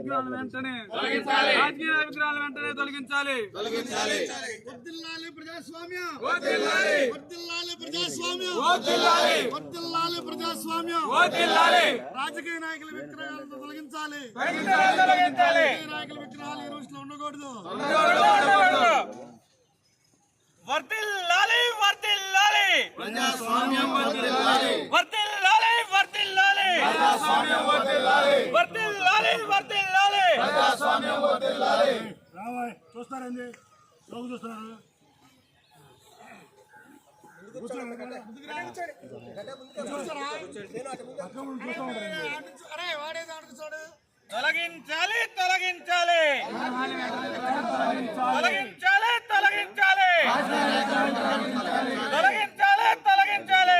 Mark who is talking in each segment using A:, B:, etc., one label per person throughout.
A: విగ్రహాలను వెంటనే రాజకీయ విగ్రహాలను వెంటనే తొలగించాలి.
B: వర్ధిల్లాలి ప్రజాస్వామ్యం,
A: వర్ధిల్లాలి
B: ప్రజాస్వామ్యం, ప్రజాస్వామ్యం. రాజకీయ నాయకుల విగ్రహాలను తొలగించాలి. రాజకీయ నాయకుల విగ్రహాలు ఈ రోజులో ఉండకూడదు.
C: వర్ధిల్లాలి వర్ధిల్లాలి
B: ప్రజాస్వామ్యం వర్ధిల్లాలి.
C: వర్ధిల్లాలి వర్ధిల్లాలి
B: ప్రజాస్వామ్యం వర్ధిల్లాలి.
C: వర్ధిల్లాలి వర్ధిల్లాలి
B: ప్రజాస్వామ్యం వర్ధిల్లాలి. రావాయ్ చూస్తారండి, లోపు చూస్తున్నారు.
C: తొలగించాలి తొలగించాలి తొలగించాలి తొలగించాలి తొలగించాలి తొలగించాలి.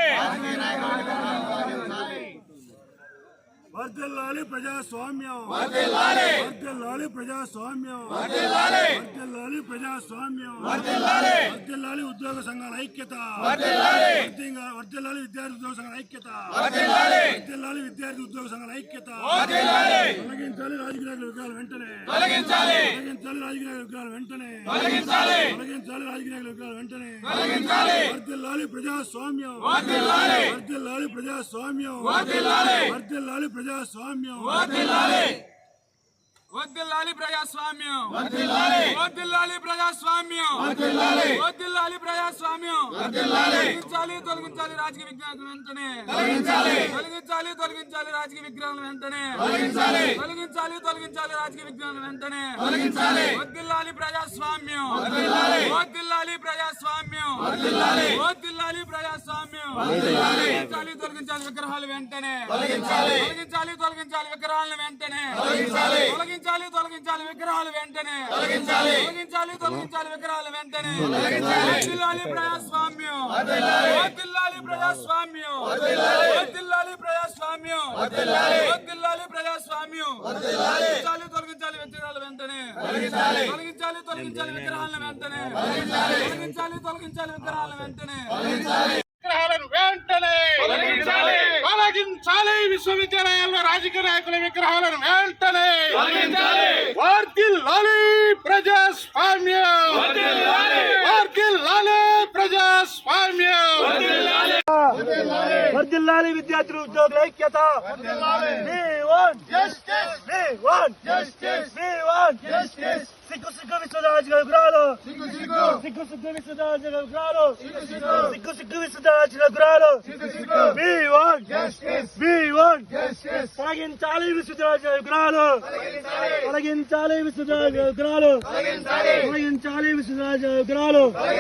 B: వర్ధిల్లాలి ప్రజాస్వామ్యం,
A: వర్ధిల్లాలి
B: ప్రజాస్వామ్యం, ప్రజాస్వామ్యం. వర్ధిల్లాలి ఉద్యోగ సంఘాల ఐక్యత, వర్ధిల్లాలి విద్యార్థి ఉద్యోగ సంఘాల ఐక్యత, వర్ధిల్లాలి విద్యార్థి ఉద్యోగ సంఘాల ఐక్యత. తొలగించాలి రాజకీయ నాయకుల విగ్రహాలు వెంటనే, తొలగించాలి రాజకీయ నాయకుల విగ్రహాలు వెంటనే, తొలగించాలి రాజకీయ నాయకుల విగ్రహాలు వెంటనే. వర్ధిల్లాలి ప్రజాస్వామ్యం, వర్ధిల్లాలి ప్రజాస్వామ్యం, వర్ధిల్లాలి ప్రజాస్వామ్యం.
A: వద్దిల్లాలి ప్రజాస్వామ్యం, వద్దిల్లాలి ప్రజాస్వామ్యం, వద్దిల్లాలి ప్రజాస్వామ్యం. తొలగించాలి రాజకీయ విగ్రహాలను వెంటనే, తొలగించాలి రాజకీయ విగ్రహాలను వెంటనే, తొలగించాలి రాజకీయ విగ్రహాలను వెంటనే. వద్దిల్లాలి ప్రజాస్వామ్యం, వద్దిల్లాలి ప్రజాస్వామ్యం, వద్దిల్లాలి ప్రజాస్వామ్యం. తొలగించాలి విగ్రహాలు వెంటనే, తొలగించాలి విగ్రహాలను వెంటనే, తొలగించాలి విగ్రహాలు వెంటనే, తొలగించాలి విగ్రహాలు వెంటనే. వద్దిల్లాలి ప్రజాస్వామ్యం, వద్దిల్లాలి ప్రజాస్వామ్యం, వద్దిల్లాలి ప్రజాస్వామ్యం, వద్దిల్లాలి ప్రజాస్వామ్యం. తొలగించాలి విగ్రహాలు వెంటనే, తొలగించాలి విగ్రహాలను వెంటనే, తొలగించాలి విగ్రహాల వెంటనే.
C: విగ్రహాలను వెంటనే తొలగించాలి. విశ్వవిద్యాలయాల్లో రాజకీయ నాయకుల విగ్రహాలను వెంటనే వర్ధిల్లాలి ప్రజాస్వామ్యం, వర్ధిల్లాలి ప్రజాస్వామ్యం.
B: వర్ధిల్లాలి విద్యార్థులు ఉద్యోగుల ఐక్యత. సిగ్గు సిగ్గు విశ్వరాజు విగ్రహాలు, సిగ్గు సిగ్గు విశ్వరాజు విగ్రహాలు, సిగ్గు సిగ్గు విశ్వరాజు విగ్రహాలు. తొలగించాలి విశ్వరాజు విగ్రహాలు, తొలగించాలి విశ్వరాజు విగ్రహాలు, తొలగించాలి విశ్వరాజు విగ్రహాలు.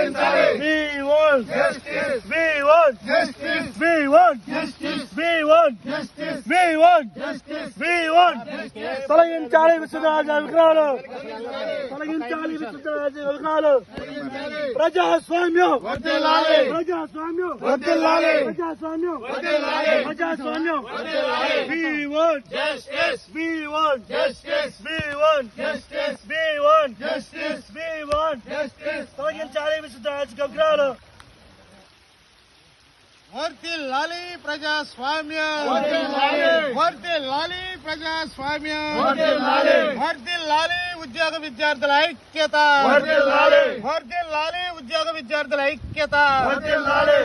B: తొలగించాలి విశ్వరాజు విగ్రహాలు, తొలగించాలి విశ్వరాజు విగ్రహాలు. ప్రజాస్వామ్యం, ప్రజాస్వామ్యం, ప్రజాస్వామ్యం, ప్రజాస్వామ్యం. We want justice. We want justice. We want justice. We want justice. We want justice. తొలగించాలి విశ్వరాజు విగ్రహాలు.
C: వర్ధిల్లాలి ప్రజాస్వామ్యం, వర్ధిల్లాలి ప్రజాస్వామ్యం, వర్ధిల్లాలి ఉద్యోగ విద్యార్థుల ఐక్యత, వర్ధిల్లాలి ఉద్యోగ విద్యార్థుల ఐక్యత,